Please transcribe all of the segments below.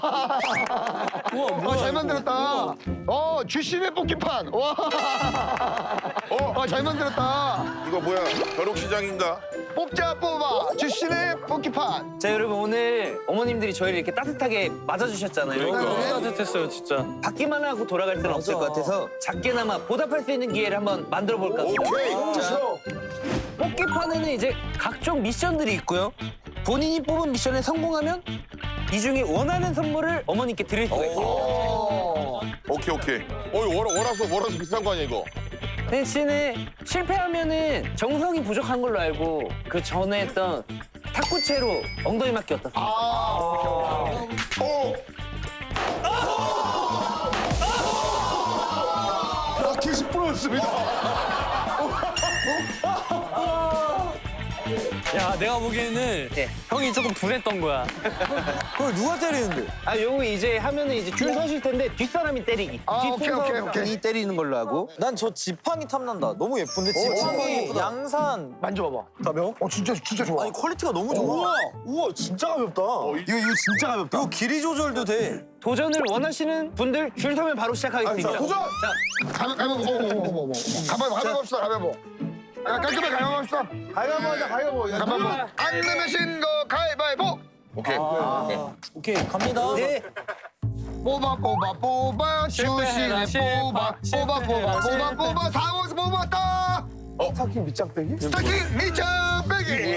잘 만들었다. 주신의 뽑기판. 와. 잘 만들었다. 이거 뭐야? 벼룩시장인가? 뽑자 뽑아 주신의 뽑기판. 자, 여러분 오늘 어머님들이 저희를 이렇게 따뜻하게 맞아주셨잖아요. 그러니까. 너무 따뜻했어요, 진짜. 받기만 하고 돌아갈 수는 없을 것 같아서 작게나마 보답할 수 있는 기회를 한번 만들어 볼까 합니다. 오케이. 자, 뽑기판에는 이제 각종 미션들이 있고요. 본인이 뽑은 미션에 성공하면 이 중에 원하는 선물을 어머님께 드릴 수가 있어요. 오케이. 월화수 비싼 거 아니야 이거? 대신에 실패하면은 정성이 부족한 걸로 알고 그 전에 했던 탁구채로 엉덩이 맞기 어떻습니까? 라켓이 부러졌습니다. 야, 내가 보기에는 네. 형이 조금 분했던 거야. 그걸 누가 때리는데? 아, 요거 이제 하면은 이제 줄 서실 텐데 뒷사람이 때리기. 오케이. 때리는 걸로 하고. 난 저 지팡이 탐난다. 너무 예쁜데 지팡이 양산. 만져봐봐. 가벼워? 진짜 좋아. 아니 퀄리티가 너무 좋아. 우와 진짜 가볍다. 이거 진짜 가볍다. 이거 길이 조절도 돼. 도전을 원하시는 분들 줄 서면 바로 시작하겠습니다. 도전! 자, 가위바위보. 가위바위보 합시다. 가위바위보. 깔끔하게 가위바위보 합시다. 가위바위보 하자. 가위바위보. 안 내면 신거 가위바위보. 오케이. 오케이 갑니다. 네. 뽑아 주신의 뽑아 사원에서 뽑았다. 스타킹 밑장 빼기. 스타킹 밑장 빼기.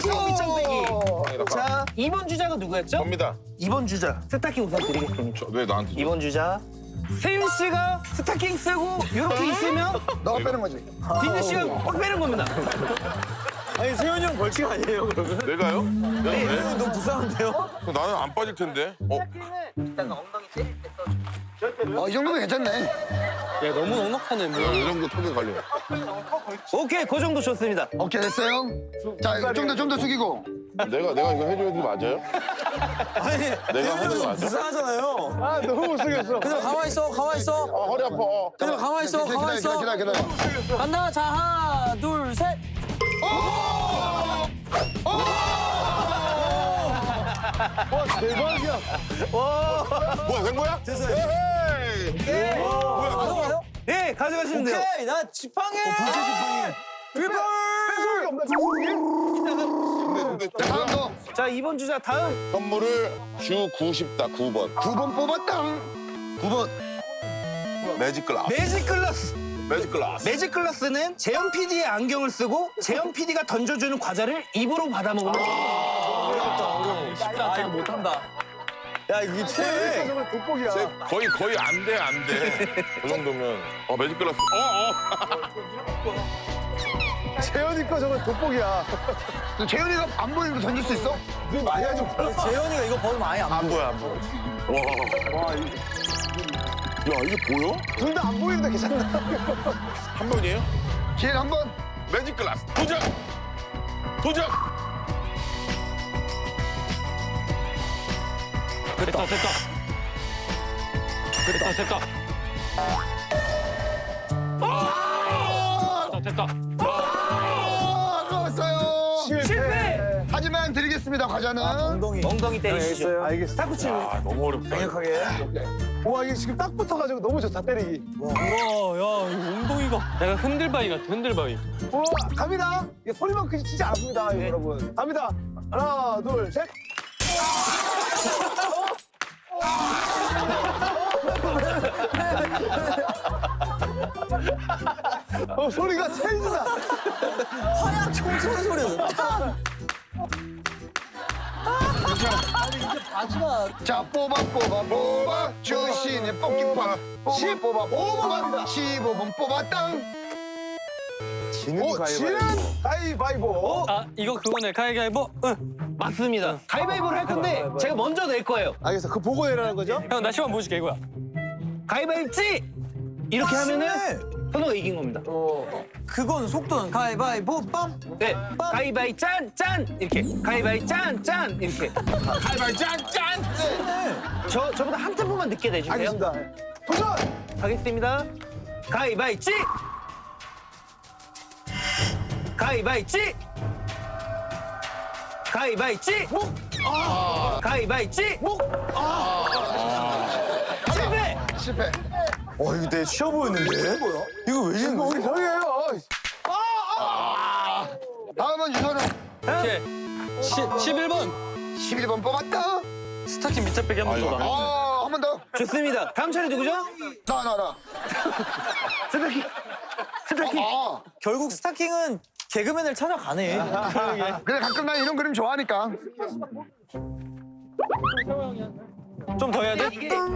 자, 2번 주자가 누구였죠? 접니다. 2번 주자. 스타킹 우선 드리겠습니다. 왜 나한테? 2번 주자. 세윤 씨가 스타킹 쓰고 이렇게 있으면 너가 빼는 거지. 딘유 씨가 꽉 빼는 겁니다. 아니 세현이 형 벌칙 아니에요 그러면? 내가요? 네. 너무 불쌍한데요? 나는 안 빠질 텐데. 일단 엉덩이 때릴 때 써줘. 이 정도면 괜찮네. 야, 너무 넉넉하네, 뭐. 이 정도 턱에 걸려. 오케이, 그 정도 좋습니다. 오케이 됐어요. 자, 좀 더 숙이고. 내가 이거 해줘야 돼 맞아요? 아니 내가 하는 거 맞아? 불쌍하잖아요. 너무 못생겼어. 그냥 가만히 있어. 허리 아파. 그냥 가만히 있어. 기다려. 간다. 자 하나 둘 셋. 와 대박이야. 뭐야 된 거야? 됐어요. 에헤이. 가져가요? 네, 가져가시면 돼요. 오케이 나 지팡이. 뺏소리 없나 근데 다음 거. 자, 2번 주자 다음. 선물을 주고 싶다 9번. 9번 뽑았다. 9번. 매직 글라스. 매직 글라스. 매직 글라스. 매직 글라스는 재현 PD의 안경을 쓰고 재현 PD가 던져주는 과자를 입으로 받아 먹으면 쉽다. 이거 못한다. 야 이게 최. 정말 돋보기야. 거의 안 돼. 그 정도면. 매직 글라스. 재현이 거 정말 돋보기야. 재현이가 안 보이는데 던질 수 있어? 너 많이 하지 마. 재현이가 이거 벗으면 아예 안 보여. 와. 야 이게 보여? 둘 다 안 보이는데 괜찮나? 한 번이에요? 기회를 한 번. 매직 글라스. 도전. 됐다. 됐다. 아까웠어요. 실패! 하지만 드리겠습니다. 과자는. 엉덩이 때리시죠. 알겠어. 탁구치. 아 너무 어렵다. 강력하게. 와 이게 지금 딱 붙어가지고 너무 좋다 때리기. 우와, 야, 이거 엉덩이가. 약간 흔들바위 같아, 흔들바위. 와 갑니다. 이게 소리만 크지 진짜 않습니다, 이거 여러분. 갑니다. 하나 둘 셋. 소리가 체인지다. 화약 총소리 소리야. 자 뽑아 주신의 뽑기판 15번 15번 뽑았당. 지는 가위바위보. 아, 이거 그거네, 가위바위보. 응. 맞습니다. 가위바위보를 할 건데 제가 먼저 낼 거예요. 알겠어. 그 보고 내라는 거죠? 형, 나 시간 보여줄게, 이거야. 가위바위보지! 이렇게 하면은 선호가 이긴 겁니다. 그건 속도는 가위바위보 빰. 네, 가위바위 짠! 이렇게. 가위바위 짠! 이렇게. 가위바위 짠. 저보다 한 템포만 늦게 내주세요. 알겠습니다. 도전! 가겠습니다. 가위바위찌! 가위바위찌! 가위바위찌! 가위바위찌! 목! 실패! 실패. 이거 되게 쉬워 보였는데? 뭐야? 이거 왜 지는 거지? 형이에요. 다음은 유선은 오케이. 11번. 11번 뽑았다. 스타킹 밑에 빼기 한번 더 나. 한 번 더. 좋습니다. 다음 차례 누구죠? 나. 스타킹. 스타킹. 결국 스타킹은 개그맨을 찾아가네. 그래 가끔 난 이런 그림 좋아하니까. 좀 더 해야 돼?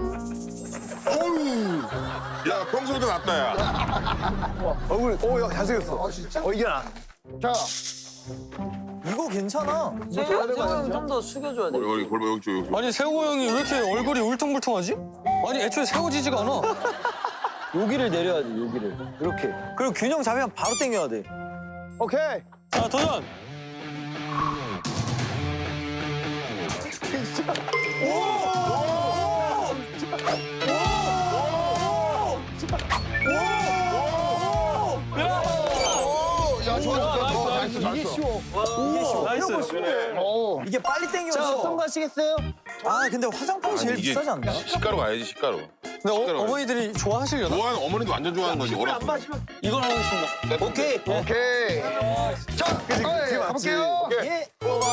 야 평소보다 낫다 야. 얼굴. 야 잘생겼어. 진짜? 이게 나. 자. 이거 괜찮아. 좀 더 숙여줘야 돼. 여기 골반 여기. 아니 세호 형이 왜 이렇게 얼굴이 울퉁불퉁하지? 아니 애초에 세워지지가 않아. 여기를 내려야 돼, 여기를. 이렇게. 그리고 균형 잡으면 바로 당겨야 돼. 오케이. 자 도전. 야 좋았어. 잘했어. 이게 쉬워. 이게 쉬워. 나이스. 오. 이게 빨리 자, 당겨서. 어떤 거 하시겠어요? 아, 근데 화장품이 제일 이게 비싸지 않나? 식가루 가야지 식가루. 근데 어머니들이 좋아하시려나? 좋아하는 어머니도 완전 좋아하는 거지. 어렸을 때. 이걸 하겠습니다. 오케이. 오케이. 자, 가볼게요. 예.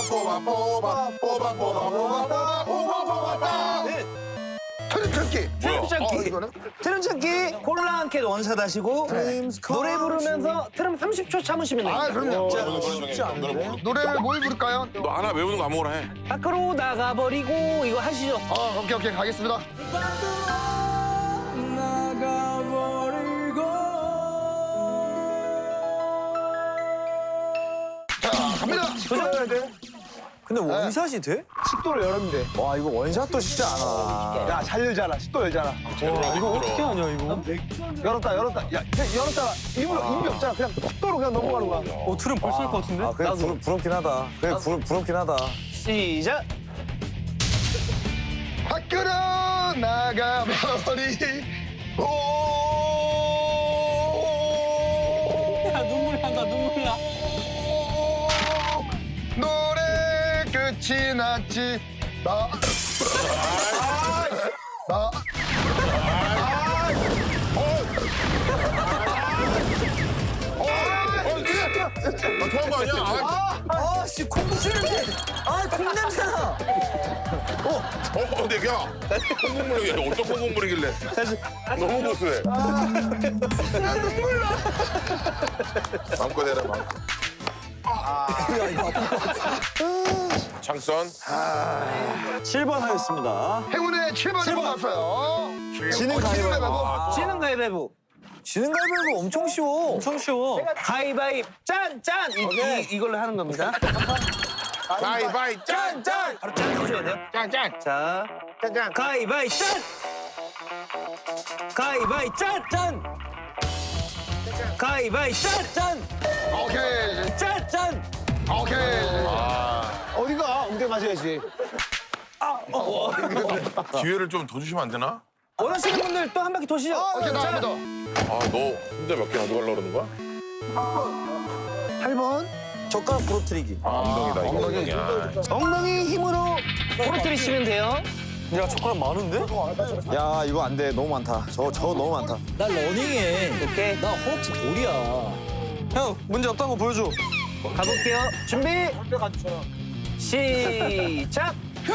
트리플키. 뭐야? 이거는? 트름 참기 콜라 한 캔 원샷 하시고 노래 부르면서 트름 30초 참으시면 됩니다. 그럼요. 쉽지 않네. 노래를 뭘 부를까요? 너 하나 외우는 거 아무거나 해. 밖으로 나가버리고 이거 하시죠. 오케이 가겠습니다. 자, 갑니다. 도전해야 돼. 근데 원샷이 돼? 식도를 열으면 돼. 와, 이거 원샷도 쉽지 않아. 야, 잘 열잖아. 식도 열잖아. 와 이거 어떻게 하냐 이거? 열었다. 야, 열었다. 입이 없잖아. 그냥 식도로 그냥 넘어가는 거야. 트름 벌써 할 것 같은데? 아, 그래, 부럽긴 하다. 그래, 부럽긴 하다. 시작. 밖으로 나가버리고. 야 눈물 난다 눈물 나. 노래 끝이 났지. 나. 좋아한 거 아니야? 아, 씨, 콩국수 냄새. 아, 콩 냄새나. 근데 야 콩국물이야. 어떤 콩국물이길래? 너무 고소해. 마음껏 해라 마음껏. 장선. 7번 하겠습니다. 행운의 7번을 뽑았어요. 지는 가위바위보. 지는 가위바위보. 지는 가위바위보 엄청 쉬워. 엄청 쉬워. 가위바위 짠! 이걸로 하는 겁니다. 바이바이 짠. 바로 짠 해줘야 돼요. 짠. 자, 가위바위 짠! 가위바위 짠! 가위바위 짠! 오케이. 짠! 오케이. 어디가? 엉덩이 맞아야지. 기회를 좀 더 주시면 안 되나? 원하시는 분들 또 한 바퀴 도시죠. 오케이, 나 한 번 더. 너 혼자 몇 개 가져가려고 그러는 거야? 8번. 젓가락 부러뜨리기. 엉덩이다 이거 엉덩이야. 엉덩이 힘으로 부러뜨리시면 돼요. 야 젓가락 많은데? 야, 이거 안 돼. 너무 많다. 저거 너무 많다. 나 러닝해. 오케이. 나 허벅지 돌이야. 형 문제 없다는 거 보여줘. 가볼게요. 준비. 시작.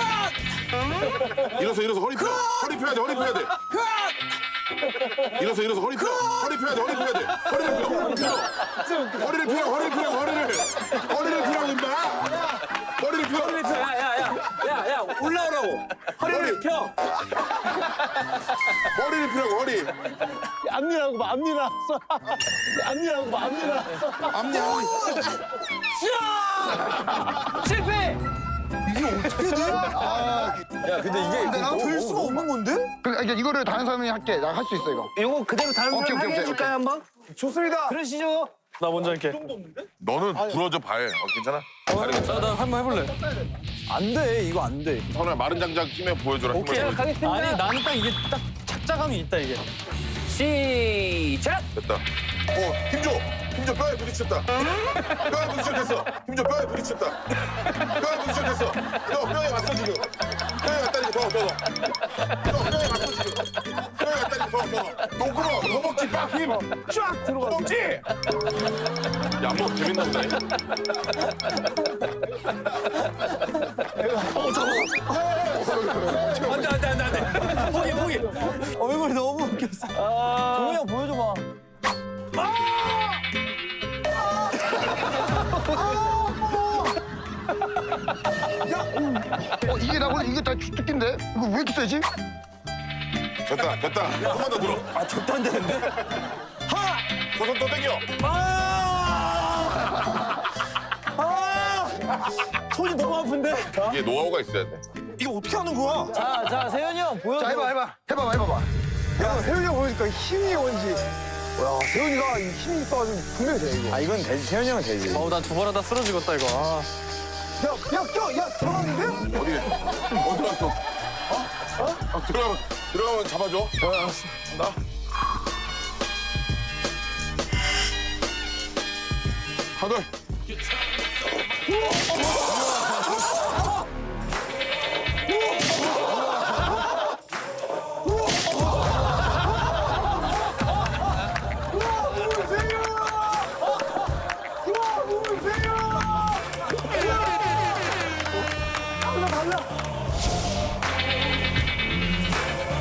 일어서 허리 펴. 허리 펴야 돼. 일어서 허리 펴. 허리 펴야 돼. 허리를 펴. 허리를 펴라고 임마. 허리를 펴. 야야야야야 올라오라고. 허리를 펴. 허리를 펴라고 허리. 앞니라고 봐, 앞니 나왔어. 앞니라고 봐, 앞니 나왔어. 앞니. 실패. 야, 근데 이게 될 수가 없는 건데? 그러니까 이거를 다른 사람이 할게. 나 할 수 있어, 이거. 요거 그대로 다른 오케이, 사람 하게 오케이, 해줄까요 오케이. 한번? 좋습니다. 그러시죠. 나 먼저 할게. 너는 부러져 발. 괜찮아? 나 한번 해볼래. 안 돼. 이거 안 돼. 선우야 마른 장작 힘에 보여줘라. 오케이. 힘을. 가겠습니다. 아니 나는 딱 이게 딱 착자감이 있다 이게. 시작. 됐다. 힘 줘. 힘줘 뼈에 부딪혔다. 뼈에 부딪혔겠어. 힘줘 뼈에 부딪혔다. 뼈에 부딪혔겠어. 너 뼈에 왔어 지금. 뼈에 왔다니까 더. 너 뼈에 왔어 지금. 뼈에 왔다니까 더. 너그러 허벅지 빡 힘. 쫙 들어가. 허벅지. 야, 안 먹으면 재밌나 보네. 안돼. 포기. 얼굴이 너무 웃겼어. 동훈이 형 보여줘봐. 이게 나보다 이게 다 주특기인데? 이거 왜 이렇게 세지? 됐다. 한 번 더 들어. 아 절대 안 되는데? 저손 또 당겨. 손이 너무 아픈데? 이게 노하우가 있어야 돼. 이거 어떻게 하는 거야? 자 세현이 형 보여줘. 자, 해봐봐. 야, 세훈이 형 보니까 힘이 뭔지. 야, 세훈이가 이 힘이 있어가지고 분명히 돼, 이거. 아 이건 되지. 세현이 형은 되지. 어우 난 두 번 하다 쓰러지겠다 이거. 아. 야, 들어갔는데? 어디 갔어? 들어가면 잡아줘. 나. 하나.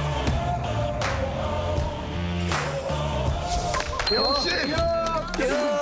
역시!